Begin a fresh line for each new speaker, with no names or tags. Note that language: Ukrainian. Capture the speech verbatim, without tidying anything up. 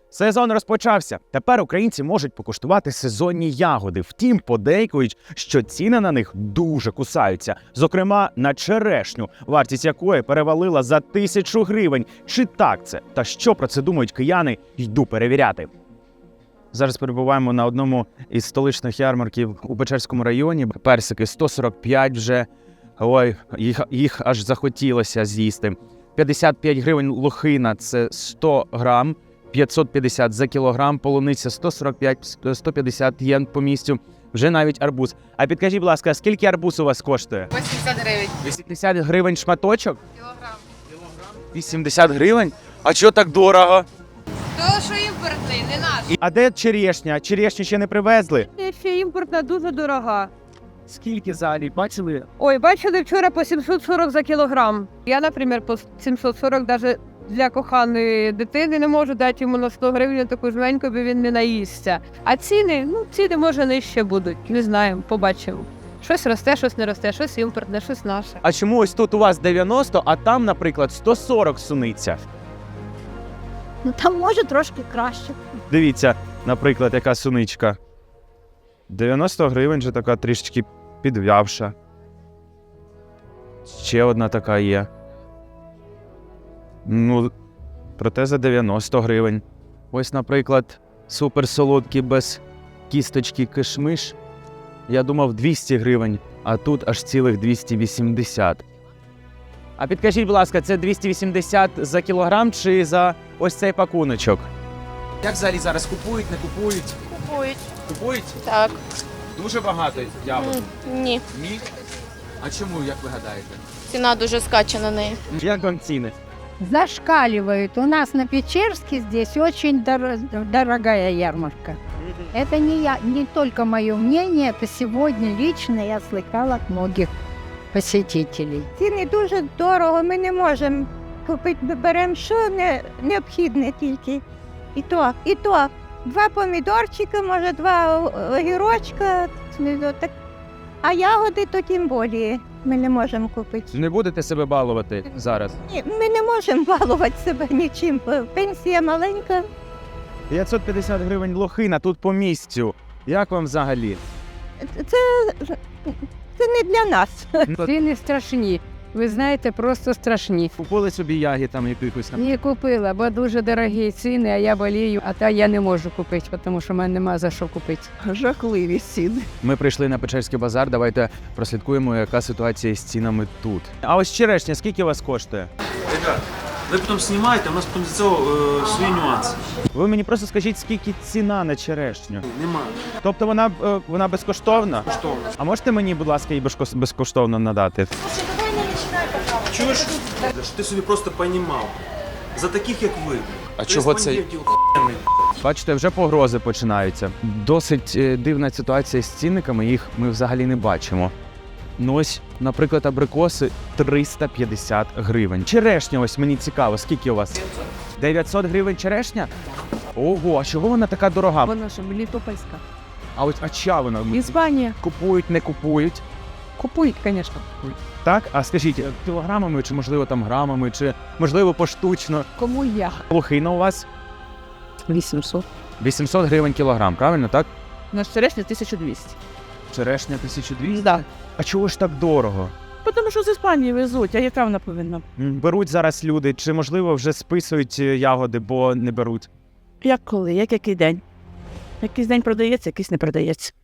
Сезон розпочався. Тепер українці можуть покуштувати сезонні ягоди. Втім, подейкують, що ціни на них дуже кусаються. Зокрема, на черешню, вартість якої перевалила за тисячу гривень. Чи так це? Та що про це думають кияни? Йду перевіряти. Зараз перебуваємо на одному із столичних ярмарків у Печерському районі. Персики сто сорок п'ять вже. Ой, їх, їх аж захотілося з'їсти. п'ятдесят п'ять гривень лохина – це сто грам. п'ятсот п'ятдесят за кілограм, полуниця сто сорок п'ять - сто п'ятдесят єн по місцю, вже навіть арбуз. А підкажіть, будь ласка, скільки арбуз у вас коштує?
вісімдесят гривень.
вісімдесят гривень шматочок?
Кілограм.
вісімдесят гривень? А чого так дорого?
То, що імпортний, не наш.
А де черешня? Черешню ще не привезли?
Ще імпортна дуже дорога.
Скільки взагалі? Бачили?
Ой, бачили вчора по сімсот сорок за кілограм. Я, наприклад, по сімсот сорок навіть для коханої дитини не можу дати йому на сто гривень таку жменьку, бо він не наїсться. А ціни, ну, ціни, може, нижче будуть. Не знаємо, побачимо. Щось росте, щось не росте, щось імпортне, щось наше.
А чому ось тут у вас дев'яносто, а там, наприклад, сто сорок суниця?
Ну там може трошки краще.
Дивіться, наприклад, яка суничка. дев'яносто гривень же така трішечки підв'явша. Ще одна така є. Ну, проте за дев'яносто гривень. Ось, наприклад, суперсолодкий без кісточки кишмиш. Я думав двісті гривень, а тут аж цілих двісті вісімдесят. А підкажіть, будь ласка, це двісті вісімдесят за кілограм чи за ось цей пакуночок? Як взагалі зараз купують, не купують?
Купують.
Купують?
Так.
Дуже багато ягод.
М, Ні.
Ні? А чому, як ви гадаєте?
Ціна дуже скаче на неї.
Як вам ціни?
Зашкаливают. У нас на Печерске здесь очень дор- дорогая ярмарка. Это не, я, не только мое мнение, это сегодня лично я слыхала от многих посетителей.
Ціни дуже дорого, ми не можемо купити, ми беремо що не, необхідне тільки. І то, і то. Два помідорчика, може два огірочка, ну, так. А ягоди то тим більше ми не можемо купити.
Не будете себе балувати зараз?
Ні, ми не можемо балувати себе нічим, пенсія маленька.
п'ятсот п'ятдесят гривень лохина тут по місцю. Як вам взагалі?
Це, це не для нас.
Ціни страшні. Ви знаєте, просто страшні.
Купили собі ягід там якихось?
Не купила, бо дуже дорогі ціни, а я болію, а та я не можу купити, тому що в мене нема за що купити.
Жахливі ціни.
Ми прийшли на Печерський базар, давайте прослідкуємо, яка ситуація з цінами тут. А ось черешня, скільки у вас коштує?
Ребят, ви потім знімаєте, у нас потім з цього е, свої нюанси.
Ви мені просто скажіть, скільки ціна на черешню?
Нема.
Тобто вона, е, вона безкоштовна?
Коштовно.
А можете мені, будь ласка, її безкос- безкоштовно надати?
Чуєш? Щоб ти собі просто понімав. За таких, як ви.
А чого це?
Респондентів охуєнний.
Бачите, вже погрози починаються. Досить е, дивна ситуація з цінниками, їх ми взагалі не бачимо. Ну ось, наприклад, абрикоси триста п'ятдесят гривень. Черешня, ось мені цікаво, скільки у вас? дев'ятсот гривень черешня? Ого, а чого вона така дорога?
Вона ж Мелітопольська.
А ось а чия вона?
Іспанія.
Купують, не купують?
Купують, звісно.
Так? А скажіть, кілограмами, чи можливо там грамами, чи можливо поштучно?
Кому я?
Лохина у вас?
вісімсот.
вісімсот гривень кілограм, правильно, так?
У нас черешня тисяча двісті.
Черешня тисяча двісті?
Так.
А чого ж так дорого?
Тому що з Іспанії везуть, а яка вона повинна?
М, Беруть зараз люди, чи можливо вже списують е, ягоди, бо не беруть?
Як коли, як який день? Якийсь день продається, якийсь не продається.